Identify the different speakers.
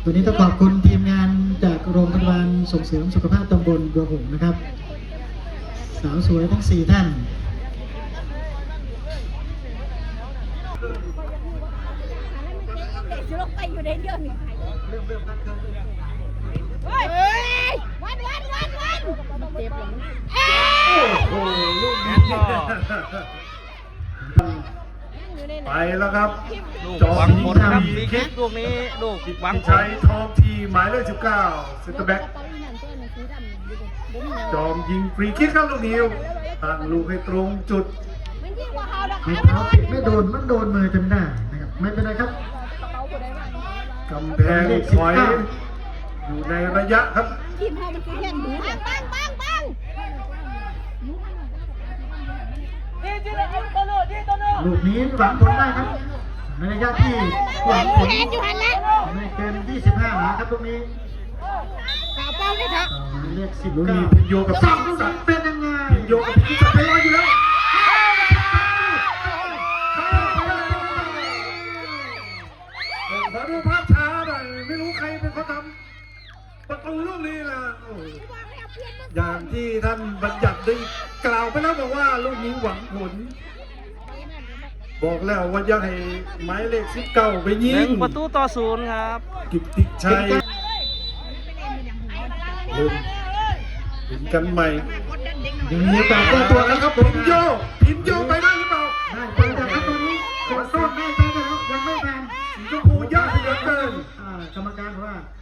Speaker 1: วันนี้ต้องขอบคุณทีมงานจากโรงพยาบาลส่งเสริมสุขภาพตำบลบัวหงส์นะครับสาวสวยทั้ง4ท่าน
Speaker 2: ลงไปอยู่ในเรื่องนี้เริ่มเฮ้ยวันเจ็บเลย
Speaker 3: โอ้โหลูกนี้ไปแล้วครับ
Speaker 4: จอมผลครับฟรีคิกลูกนี้ลูกหวังผล
Speaker 3: ชัยทองทีหมายเลข19เซ็นเตอร์แบ็กจอมยิงฟรีคิกครับลูกนี้ตั้งลูกให้ตรงจุด
Speaker 1: ไม่เท้าปิดไม่โดนมันโดนมือจนได้นะครับไม่เป็นไรครับ
Speaker 3: กำแพงถอยอยู่ในระยะครับ
Speaker 2: ทีมเฮามันคือแค่ดูปัง
Speaker 1: ลูกนี้หวังผลได้ครับในระยะที่หวังผลไม่เกิน25 หลาครับตรงนี้
Speaker 2: เป้าได้ครับ
Speaker 1: เลข10
Speaker 3: ลูกนี้พินโยกับ
Speaker 1: 2ลูกเป็นยังไง
Speaker 3: พินโยกับพินจะไปรออยู่แล้วขอดูภาพช้าหน่อยไม่รู้ใครเป็นคนทำประตูลูกนี้ล่ะอย่างที่ท่านบัญญัติได้กล่าวไปแล้วบอกว่าลูกนี้หวังผลบอกแล้วว่าอยากให้หมายเลข19ไปยิง
Speaker 4: 1-0ครับ
Speaker 3: กิตติชัยเริ่มเห็นกันใหม่
Speaker 1: ยังมีโอกาสได้ตัวแล้วครับ
Speaker 3: พินโยไปได้หรือเปล่า